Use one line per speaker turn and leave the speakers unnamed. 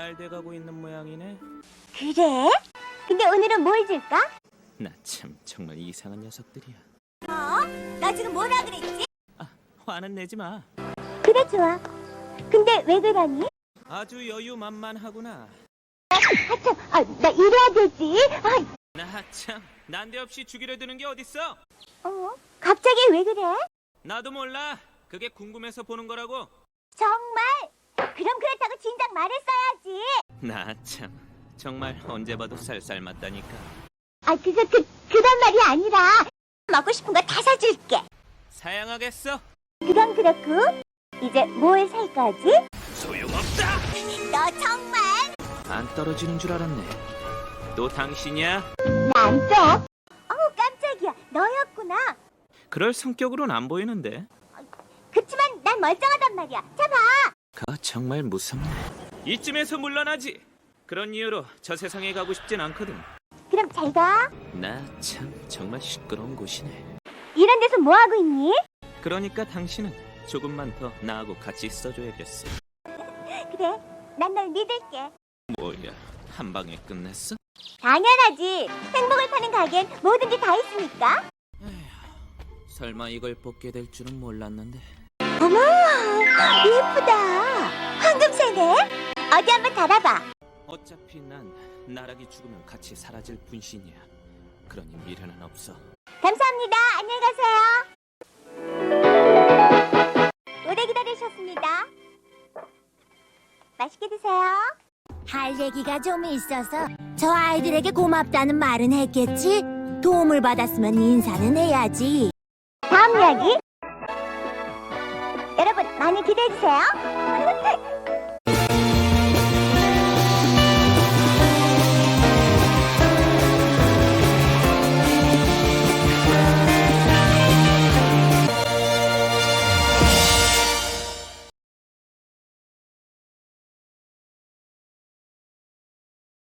잘 돼가고 있는 모양이네.
그래? 근데 오늘은 뭘 줄까?
나 참 정말 이상한 녀석들이야.
나 지금 뭐라 그랬지?
아, 화는 내지 마.
그래, 좋아. 근데 왜 그러니?
아주 여유만만하구나.
하참, 나 일해야 되지.
나 참 난데없이 죽이려 드는 게 어딨어?
갑자기 왜 그래?
나도 몰라. 그게 궁금해서 보는 거라고.
정말? 그럼 그렇다고 진작 말했어야지.
나 참 정말 언제 봐도 쌀쌀맞다니까.
그런 말이 아니라 먹고 싶은 거 다 사줄게.
사양하겠어.
그건 그렇고 이제 뭘 살 거지?
소용없다.
너 정말?
안 떨어지는 줄 알았네. 또 당신이야?
난 또? 깜짝이야. 너였구나.
그럴 성격으로는 안 보이는데.
그치만 난 멀쩡하단 말이야. 잡아.
가 정말 무섭네. 이쯤에서 물러나지. 그런 이유로 저 세상에 가고 싶진 않거든.
그럼 잘 가.
나 참 정말 시끄러운 곳이네.
이런 데서 뭐 하고 있니?
그러니까 당신은 조금만 더 나하고 같이 있어줘야겠어.
그래. 난 널 믿을게.
뭐야, 한 방에 끝냈어?
당연하지. 행복을 파는 가게엔 뭐든지 다 있으니까.
설마 이걸 뽑게 될 줄은 몰랐는데.
어머, 예쁘다. 황금새네. 어디 한번 달아봐.
어차피 난 나락이 죽으면 같이 사라질 분신이야. 그러니 미련은 없어.
감사합니다. 안녕히 가세요. 오래 기다리셨습니다. 맛있게 드세요.
할 얘기가 좀 있어서 저 아이들에게 고맙다는 말은 했겠지? 도움을 받았으면 인사는 해야지.
다음 이야기. 여러분 많이 기대해주세요.